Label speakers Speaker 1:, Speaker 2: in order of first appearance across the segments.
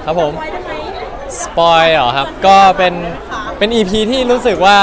Speaker 1: ครับผม
Speaker 2: ไว้ได้ไหม
Speaker 1: สปอยเหรอครับก็เป็น EP ที่รู้สึกว่า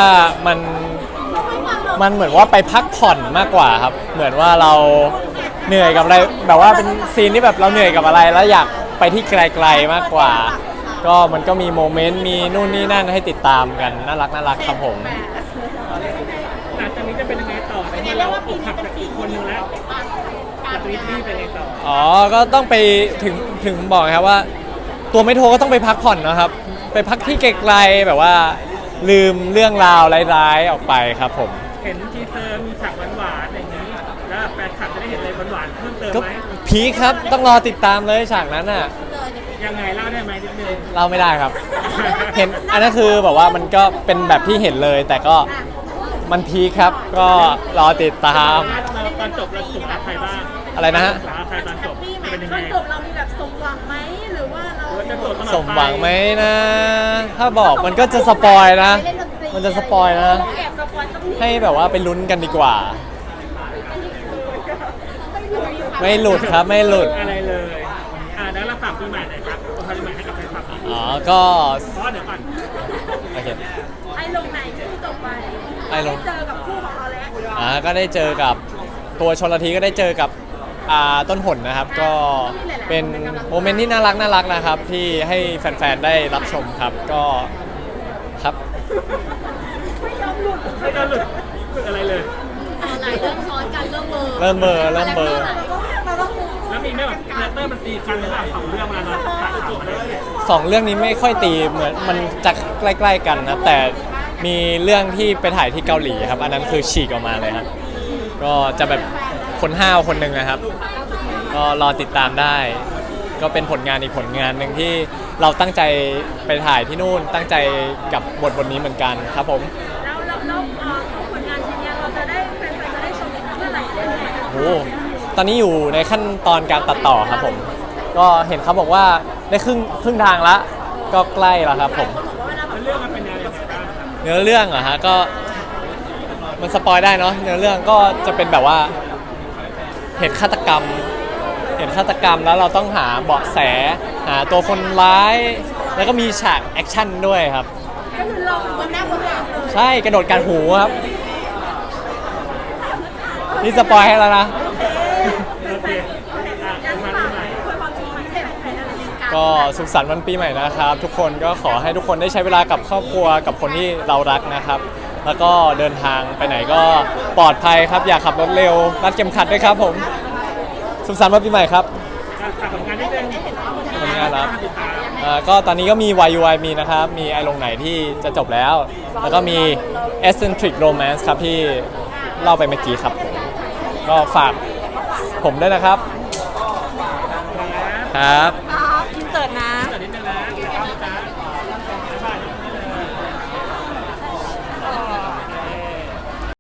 Speaker 1: มันเหมือนว่าไปพักผ่อนมากกว่าครับเหมือนว่าเราเหนื่อยกับอะไรแบบว่าเป็นซีนที่แบบเราเหนื่อยกับอะไรแล้วอยากไปที่ไกลๆมากกว่า ก็มันก็มีโมเมนต์มีนู่นนี่นั่นให้ติดตามกันน่ารักครับผม
Speaker 3: หลังจากนี้จะเป็นยังไงต่อในเมื่อเราอกหักจากอีกคนนึงแล้วจากวิธีเป็นยังไงต่อ
Speaker 1: อ๋อก็ต้องไปถึงบอกครับว่า ตัวไม่โทรก็ต้องไปพักผ่อนนะครับ ไปพักที่ไกลๆแบบว่าลืมเรื่องราวร้ายๆออกไปครับผม
Speaker 3: เห็นทีเซอร์มีฉากหวานๆอย่างนี้แล้วแฟนคลับจะได้เห็นอะไรหวานๆเพิ่มเติม
Speaker 1: ก็
Speaker 3: ไหม
Speaker 1: พีคครับต้องรอติดตามเลยฉากนั้นน่ะ
Speaker 3: ยังไงเล่าได้ไหมนิดนึง
Speaker 1: เล่าไม่ได้ครับ เห็นอันนั้นคือแบบว่ามันก็เป็นแบบที่เห็นเลย แต่ก็มันพีคครับก็รอติดตาม
Speaker 3: ตอนจบเราสุขรักใครบ้าง
Speaker 1: อะไรนะฮะ
Speaker 3: สุขรักใครตอนจบ
Speaker 2: มีไหม
Speaker 3: เป็นยัง
Speaker 2: ต
Speaker 3: ไง
Speaker 2: อนจบเรามีแบบสมหวังไหมหรือว่าเรา
Speaker 3: จะจบตลอด
Speaker 1: สมหวังไหมนะ ถ้าบอกมันก็จะสปอยนะ มันจะสปอยนะ
Speaker 2: แอบสปอยสักนิด
Speaker 1: ให้แบบว่าไปลุ้นกันดีกว่า ไม่หลุดครับไม่หลุด
Speaker 3: อะไรเลยแล้วเราฝากปีใหม่หน่อยครับคนปีใหม่ให้กับแฟนคลับอีก
Speaker 1: อ๋อก็
Speaker 3: เพราะเดี๋ยวก่อน
Speaker 1: โอเค
Speaker 2: ไอ้ลงไหนที่จบไป
Speaker 1: ไอ้ลง
Speaker 2: ด้เจอกับคู่ของเราแล้ว
Speaker 1: ก็ได้เจอกับตัวชลทีก็ได้เจอกับต้นหนนะครับ ก็เป็นโมเมนต์ที่น่ารักนะครับ ที่ให้แฟนๆได้รับชมครับก็ครับ
Speaker 2: ไม่ยอมหลุด
Speaker 3: ไม่ต้องหลุดฝึกอะไรเลย
Speaker 2: ไหนเริ่มซ้อนกันเริ่มเบอร์
Speaker 1: เริ่มเบลอเริ่มเบลอ
Speaker 2: เราต้อง
Speaker 3: แล้วมีไหมแบบคาแรคเตอร์มันตีกันหรือเปล่าสองเรื่องเวลาเราถ่ายทำอะไรอย่างเงี้ย
Speaker 1: สองเรื่องนี้ไม่ค่อยตีเหมือนมันจะใกล้ๆกันนะแต่มีเรื่องที่ไปถ่ายที่เกาหลีครับ อันนั้นคือฉีกออกมาเลยครับก็จะแบบคนห้าวคนหนึ่งนะครับ ก็รอติดตามได้ ก็เป็นผลงานอีกผลงานหนึ่งที่เราตั้งใจไปถ่ายที่นู่นตั้งใจกับบทนี้เหมือนกันครับผม
Speaker 2: แล้วผลงานชิ้นนี้เราจะได้แฟนๆจะได้ชมเมื่อไหร่ได้ไง
Speaker 1: โอ้ตอนนี้อยู่ในขั้นตอนการตัดต่อครับผม ก็เห็นเขาบอกว่าได้ครึ่งทางละก็ใกล้แล้วครับผม
Speaker 3: แล้วเรื่องมันเป็นยังไงบ้างครับ
Speaker 1: เนื้อเรื่องเหรอฮะก็มันสปอยได้เนาะเนื้อเรื่องก็จะเป็นแบบว่าเหตุฆาตกรรมแล้วเราต้องหาเบาะแสหาตัวคนร้าย แล้วก็มีฉากแอคชั่นด้วยครับ
Speaker 2: ก็คือเราเป็นคนหน้าคนหลังเลย
Speaker 1: ใช่กระโดดการหูครับนี่สปอยให้แล้วนะ
Speaker 3: โอเคมาที่ไหน
Speaker 2: คุยความจริงมันเสร็จใครอะไรกัน
Speaker 1: ก็สุขสันต์วันปีใหม่นะครับ ทุกคนก็ขอให้ทุกคนได้ใช้เวลากับครอบครัวกับคนที่เรารักนะครับ แล้วก็เดินทางไปไหนก็ปลอดภัยครับ อย่าขับรถเร็วรัดเข็มขัดด้วยครับผมสุขสันต์วันปีใหม่ครับ
Speaker 3: ฝากผลงานนิดนึง
Speaker 1: ผลงานครับ
Speaker 3: ติดตาม
Speaker 1: ก็ตอนนี้ก็มี YUI มีนะครับ มีไอลงไหนที่จะจบแล้ว แล้วก็มี Eccentric Romance ครับที่เล่าไปเมื่อกี้ครับผมก็ฝากผมด้วยนะครับ ครับ